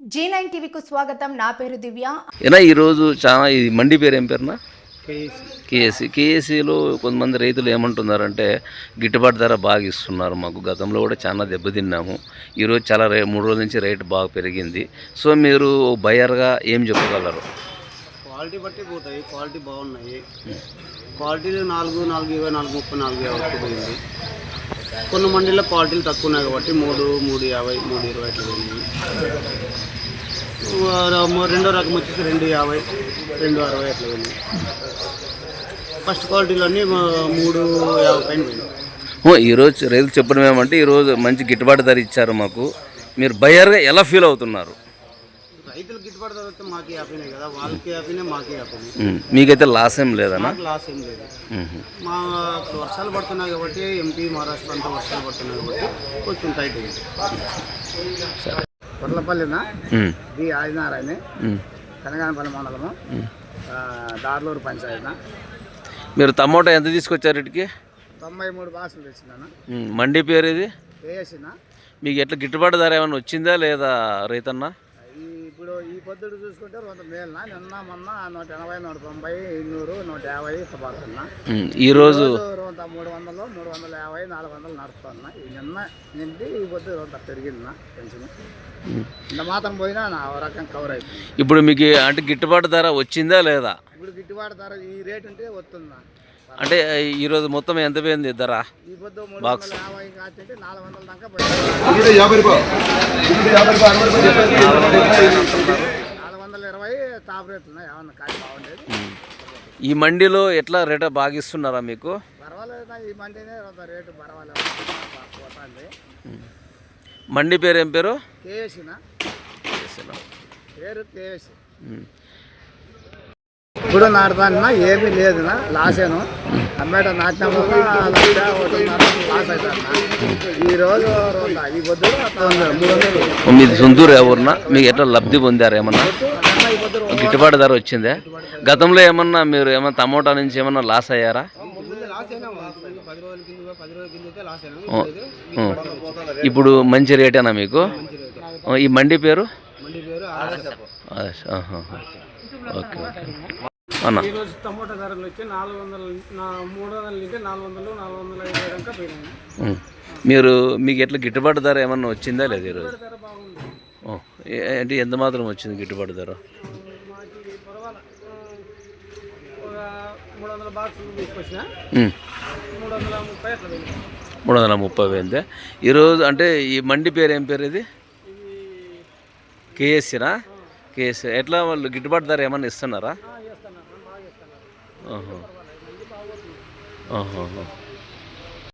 G9 టీవీకు స్వాగతం. నా పేరు దివ్య. ఈరోజు చాలా ఈ మండి పేరు ఏం పేరునా? కేఎస్సిలో కొంతమంది రైతులు ఏమంటున్నారంటే గిట్టుబాటు ధర బాగా ఇస్తున్నారు మాకు. గతంలో కూడా చాలా దెబ్బతిన్నాము. ఈరోజు చాలా 3 రోజుల నుంచి రేటు బాగా పెరిగింది. సో మీరు బయర్గా ఏం చెప్పగలరు? క్వాలిటీ బట్టి పోతాయి. క్వాలిటీ బాగున్నాయి. క్వాలిటీలు 4, 4, 20, 4, 30, 4, 50 పోయింది. కొన్ని మండీల్లో క్వాలిటీలు తక్కువ ఉన్నాయి కాబట్టి 3, 350, 320 అట్లా పోయింది. రెండో రకం వచ్చేసి 250, 260 అట్లా పోయింది. ఫస్ట్ క్వాలిటీలో అన్నీ 350 పైన పోయింది. ఈరోజు రైతులు చెప్పడం ఏమంటే ఈరోజు మంచి గిట్టుబాటు ధర ఇచ్చారు మాకు. మీరు బయర్గా ఎలా ఫీల్ అవుతున్నారు? రైతులు గిట్టుబాటు ధర వస్తే మాకే హ్యాపీనే కదా, వాళ్ళకి హ్యాపీనే, మాకే హ్యాపీనే. మీకైతే లాస్ ఏం లేదన్నా? లాస్ ఏం లేదు. మా వర్షాలు పడుతున్నాయి కాబట్టి ఎంపీ మహారాష్ట్ర అంతా వర్షాలు పడుతున్నాయి కాబట్టి కొంచెం టైట్ అయింది. సరే, కొర్లపల్లిన బి ఆదినారాయణ, కనగానపల్లి మండలము, దార్లూరు పంచాయతీ. మీరు టమోటా ఎంత తీసుకొచ్చారు ఇటుకి? 93 బాక్సులు తెచ్చినాను. మండి పేరు ఇది వేసిన. మీకు ఎట్లా గిట్టుబాటు ధర ఏమైనా వచ్చిందా లేదా రైతన్నా? ఇప్పుడు ఈ పొద్దుడు చూసుకుంటే 100 మేలునా, నిన్న మొన్న 180, 190, 200, 150 ఇట్లా పడుతున్నా. ఈరోజు 300, 350, 400 నడుపుతున్నా. నిన్న నిండి ఈ పొద్దు పెరిగింది పెంచిన. ఇంత మాత్రం పోయినా నా రకం కవర్ అయిపోయింది. ఇప్పుడు మీకు అంటే గిట్టుబాటు ధర వచ్చిందా లేదా? ఇప్పుడు గిట్టుబాటు ధర ఈ రేట్ ఉంటే వస్తుందా? అంటే ఈరోజు మొత్తం ఎంత పోయింది ధర? ఈ పొద్దు బాక్స్ 350 కాచంటే 400 దాకా పోయింది. 420 టాప్ రేట్లు ఉన్నాయి. ఏమన్నా కాయ బాగుండేది. ఈ మండిలో ఎట్లా రేట్ బాగా ఇస్తున్నారా మీకు? పర్వాలేదు, ఈ మండినే రేటు పర్వాలేదు పోతుంది. మండి పేరు ఏం పేరు? కేఎస్సినా పేరు కేఎస్సి. ఇప్పుడు నాటుతానా ఏమీ లేదునా, లాసేను. టమాటా నాటిన లాస్ అవుతాను. ఈరోజు ఈ పొద్దు 300. మీది సొంతూరు ఎవరున్నా? మీకు ఎట్లా లబ్ధి పొందారు? ఏమన్నా గిట్టుబాటు ధర వచ్చిందే? గతంలో ఏమన్నా మీరు ఏమన్నా టమోటా నుంచి ఏమన్నా లాస్ అయ్యారా? ఇప్పుడు మంచి రేటేనా మీకు? ఈ మండి పేరు? ఓకే అన్న. ఈరోజు టమోటా ధరలు వచ్చి 400, 300 నుంచి 400, 450 దాకా పోయినాయి. మీకు ఎట్లా గిట్టుబాటు ధర ఏమన్నా వచ్చిందా లేదా ఈరోజు? ధర బాగుంది. అంటే ఎంత మాత్రం వచ్చింది గిట్టుబాటు ధర? మాకు పర్వాలేదు. 300 బాక్సులు తీసుకొచ్చిన 330 అట్లా పోయింది. 330 పోయిందే ఈరోజు. అంటే ఈ మండి పేరు ఏం పేరు? ఇది కేఎస్సినా? కేఎస్సి. ఎట్లా వాళ్ళు గిట్టుబాటు ధర ఏమన్నా ఇస్తున్నారా? బాగా ఇస్తున్నారు. ఓహో.